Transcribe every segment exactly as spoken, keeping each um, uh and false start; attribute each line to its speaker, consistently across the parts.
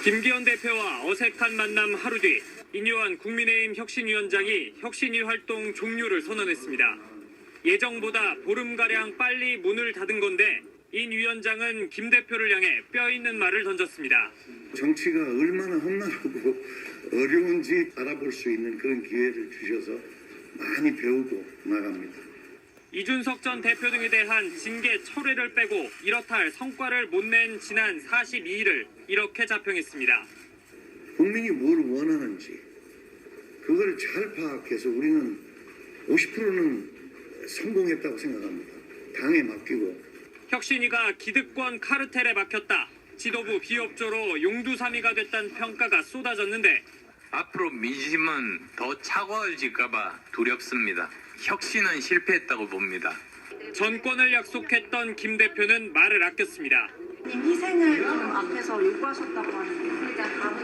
Speaker 1: 김기현 대표와 어색한 만남 하루 뒤 인요한 국민의힘 혁신위원장이 혁신위 활동 종료를 선언했습니다. 예정보다 보름가량 빨리 문을 닫은 건데 인 위원장은 김 대표를 향해 뼈 있는 말을 던졌습니다.
Speaker 2: 정치가 얼마나 험난하고 어려운지 알아볼 수 있는 그런 기회를 주셔서 많이 배우고 나갑니다.
Speaker 1: 이준석 전 대표 등에 대한 징계 철회를 빼고 이렇다 할 성과를 못 낸 지난 사십이 일을 이렇게 자평했습니다.
Speaker 2: 국민이 뭘 원하는지 그걸 잘 파악해서 우리는 오십 퍼센트는 성공했다고 생각합니다. 당에 맡기고.
Speaker 1: 혁신위가 기득권 카르텔에 막혔다. 지도부 비협조로 용두사미가 됐다는 평가가 쏟아졌는데
Speaker 3: 앞으로 민심은 더 차가워질까 봐 두렵습니다. 혁신은 실패했다고 봅니다.
Speaker 1: 전권을 약속했던 김 대표는 말을 아꼈습니다.
Speaker 4: 희생을 좀 앞에서 요구하셨다고 하는데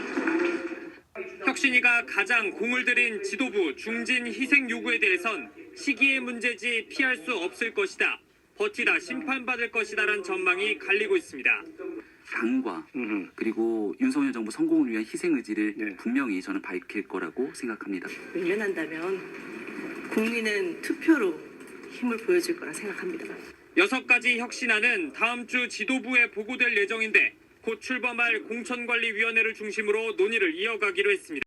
Speaker 1: 혁신위가 가장 공을 들인 지도부 중진 희생 요구에 대해선 시기의 문제지 피할 수 없을 것이다. 버티다 심판받을 것이다라는 전망이 갈리고 있습니다.
Speaker 5: 당과 그리고 윤석열 정부 성공을 위한 희생 의지를
Speaker 6: 네.
Speaker 5: 분명히 저는 밝힐 거라고 생각합니다.
Speaker 7: 밀려난다면 국민은 투표로 힘을 보여줄 거라 생각합니다.
Speaker 1: 여섯 가지 혁신안은 다음 주 지도부에 보고될 예정인데 곧 출범할 공천관리위원회를 중심으로 논의를 이어가기로 했습니다.